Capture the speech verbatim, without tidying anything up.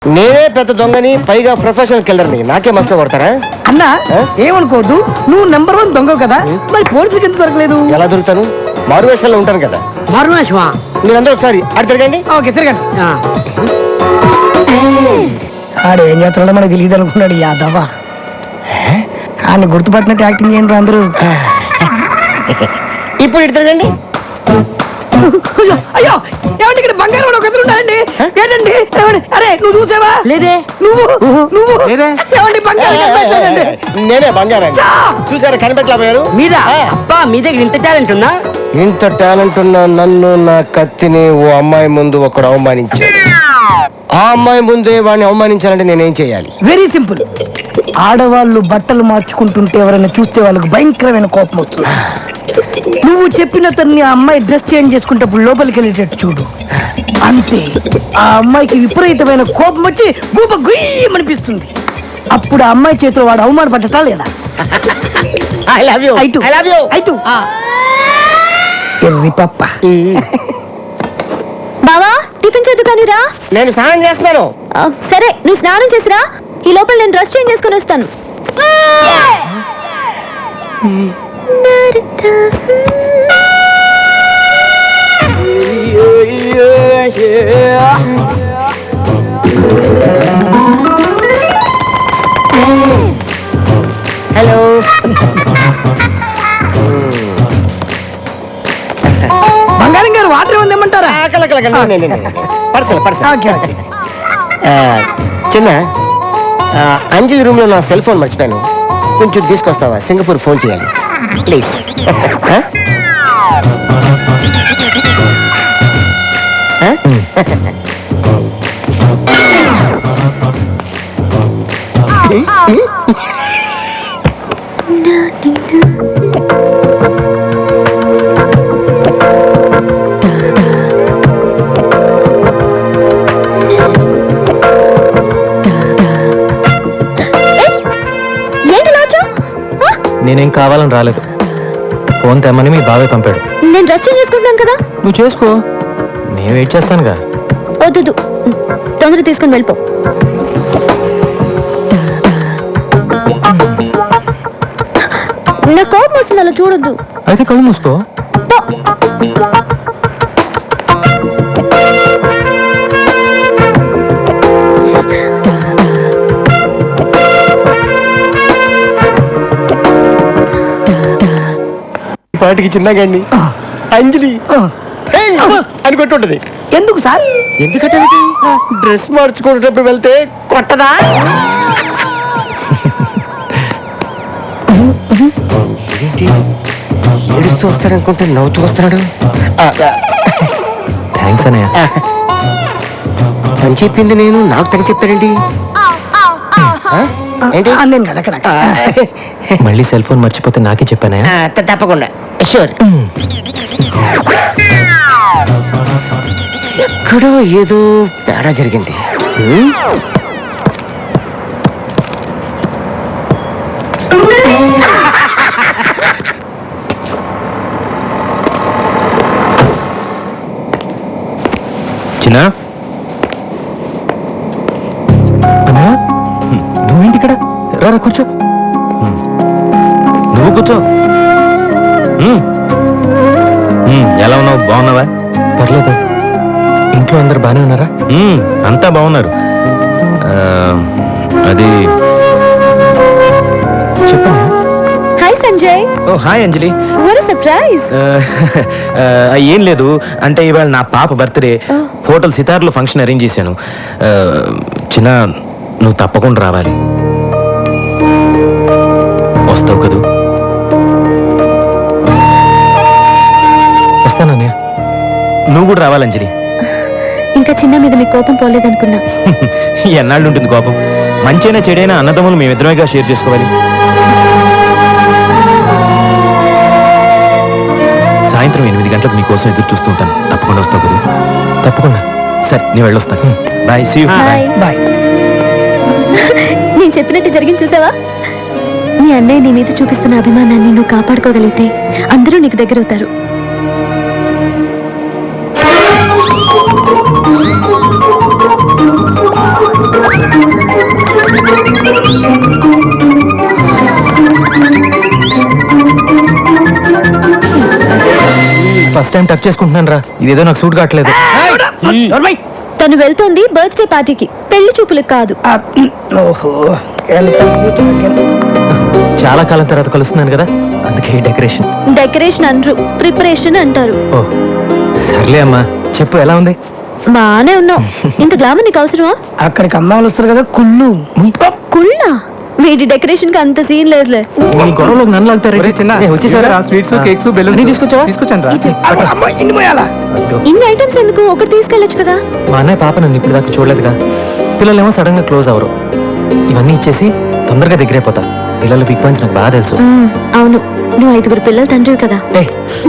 నేనే పెద్ద దొంగని, పైగా ప్రొఫెషనల్ కిల్లర్ని. నాకే మస్తు కొడతారా అన్నా? ఏమనుకోవద్దు, నువ్వు నెంబర్ వన్ దొంగ కదా, మరి పోలీసులకు ఎందుకు దొరకలేదు? ఎలా దొరుకుతాను? మారువేషంలో ఉంటాను కదా. మారువేషమా? మీరందరూ ఒకసారి అటు తిరగండి. ఓకే, తిరగండి. ఆడు ఏం చేస్తున్నాడో మనకు తెలియదు అనుకున్నాడు యాదవా. ఆయన గుర్తుపట్టినట్టు యాక్టింగ్ చేయండి అందరూ. ఇప్పుడు ఇటు తిరగండి. అయ్యో అయ్యో, ఏమండి ఇక్కడ బంగారం ఒక ఎదురు ఉన్నాయండి. ఏంటండి? అరే నువ్వు చూసావా? లేదే. నువ్వు నువ్వు ఏమండి బంగారం కనిపెట్టాలండి? నేనే బంగారం. చూసారా కనిపెట్టలేకపోయారు? మీరా? అబ్బా, మీ దగ్గర ఇంత టాలెంట్ ఉన్నా? ఇంత టాలెంట్ ఉన్న నన్ను, నా కత్తిని ఓ అమ్మాయి ముందు ఒకడు అవమానించాడు. ఆ అమ్మాయి ముందే వాడిని అవమానించాలంటే నేనేం చేయాలి? Very simple. ఆడవాళ్ళు బట్టలు మార్చుకుంటుంటే ఎవరైనా చూస్తే వాళ్ళకి భయంకరమైన కోపం వస్తుంది. నువ్వు చెప్పిన తన్ని ఆ అమ్మాయి డ్రెస్ చేంజ్ చేసుకుంటప్పుడు లోపలికి వెళ్ళేటట్టు చూడు. అంతే, ఆ అమ్మాయికి విపరీతమైన కోపం వచ్చి గూప గుయ్యమనిపిస్తుంది. అప్పుడు ఆ అమ్మాయి చేతిలో వాడు అవమానపడ్డటా లేదా? I love you. I too I love you. I too ఎర్రి పప్ప. బావా, టిఫిన్ చేద్దు కానీరా. నేను స్నానం చేస్తున్నాను. సరే, నువ్వు స్నానం చేసిరా. ఈ లోపల నేను డ్రెస్ చేంజ్ చేసుకుని వస్తాను. హలో. బంగారం గారు వాటర్ ఏమందేమంటారా? Pursed pursed. చిన్న, అంజలి రూమ్ లో నా సెల్ ఫోన్ మర్చిపోయాను. కొంచెం తీసుకొస్తావా? సింగపూర్ ఫోన్ చేయాలి ప్లీజ్. నేనేం కావాలని రాలేదు. ఫోన్ తెమ్మని మీ బాబాయ్ పంపాడు. నేను డ్రెస్ చేంజ్ చేసుకుంటాను కదా. నువ్వు చేసుకో, నేను వెయిట్ చేస్తానుగా. వద్దు, తొందర తీసుకుని వెళ్ళిపో. నా కోపం వస్తుంది, అలా చూడొద్దు. అయితే కళ్ళు మూసుకో. పాటికి చిన్నగాండి అంజలి అని కొట్టుంటది. ఎందుకు సార్? ఎందుకంటే డ్రెస్ మార్చుకునేటప్పుడు వెళ్తే కొట్టదా? ఏంటి ఏడుస్తూ వస్తాడనుకుంటే నవ్వుతూ వస్తున్నాడు. థ్యాంక్స్ అన్నయ్య. తను చెప్పింది నేను, నాకు తను చెప్తాడండి. ఏంటి నేను కదా అక్కడ మళ్ళీ సెల్ ఫోన్ మర్చిపోతే నాకే చెప్పానయ్య. తప్పకుండా షూర్. ఎక్కడో ఏదో తేడా జరిగింది. చిన్న, నువ్వేంటి ఇక్కడ? రారా కూర్చో. నువ్వు కూర్చో. ఎలా ఉన్నావు? బాగున్నావా? పర్లేదు. ఇంట్లో అందరు బాగానే ఉన్నారా? అంతా బాగున్నారు. అది చెప్పా. Hi Sanjay. Oh hi Anjali. What a surprise. ఏం లేదు, అంటే ఇవాళ నా పాప బర్త్డే. హోటల్ సితార్లో ఫంక్షన్ అరేంజ్ చేశాను. చిన్న, నువ్వు తప్పకుండా రావాలి. వస్తావు కదూ? వస్తానన్నయ్య. నువ్వు కూడా రావాలి అంజలి. ఇంకా చిన్న మీద మీ కోపం పోలేదనుకున్నా. ఎన్నాళ్ళు ఉంటుంది కోపం? మంచైనా చెడైనా అన్నదమ్ములు మేమిద్దరమేగా షేర్ చేసుకోవాలి. సాయంత్రం ఎనిమిది గంటలకు నీకోసం ఎదురు చూస్తూ ఉంటాను. తప్పకుండా వస్తావు కదా? తప్పకుండా. సరే, నేను వెళ్ళొస్తాను. బాయ్. See you. బాయ్. నేను చెప్పినట్టు జరిగింది చూసావా? నీ అన్నయ్య నీ మీద చూపిస్తున్న అభిమానాన్ని నువ్వు కాపాడుకోగలిగితే అందరూ నీకు దగ్గర అవుతారు. ఫస్ట్ టైం టచ్ చేసుకుంటున్నాను రా, ఇదేదో నాకు సూట్ కావట్లేదు. నోర్మై. తను వెళ్తోంది బర్త్డే పార్టీకి, పెళ్లి చూపులకు కాదు. ఆ, ఓహో ఎంత కూతురు. చాలా కాలం తర్వాత కలుస్తున్నాను కదా, అందుకే డెకరేషన్. డెకరేషన్ అనరు, ప్రిపరేషన్ అంటారు. ఓ సర్లే అమ్మా, చెప్పు ఎలా ఉంది? బానే ఉన్నావు. ఇంత గ్లామర్ నీకు అవసరమా? అక్కడికి అమ్మాయిలు వస్తారు కదా కుళ్ళు. కుళ్ళా? వీడి డెకరేషన్ కి అంత సీన్ లేదులే. మీ గొడవలోకి నన్ను లాగుతారు. వచ్చేసారా? స్వీట్స్ కేక్స్ బెలూన్స్ అన్నీ తీసుకొచ్చావా? తీసుకొచ్చాను రా. అమ్మ, అమ్మ, ఇన్ని మోయాలా? ఇన్ని ఐటమ్స్ ఎందుకు? ఒకటి తీసుకెళ్ళొచ్చు కదా. మా అన్నయ్య పాప నన్ను ఇప్పుడు దాకా చూడలేదుగా. పిల్లలేమో సడన్ గా క్లోజ్ అవరు. ఇవన్నీ ఇచ్చేసి తొందరగా దగ్గరైపోతా. పిల్లలు బిగ్ పాయింట్స్ నాకు బాగా తెలుసు. మ్మ్, అవును, నువ్వు ఐదుగురు పిల్లల తండ్రివి కదా. ఏయ్,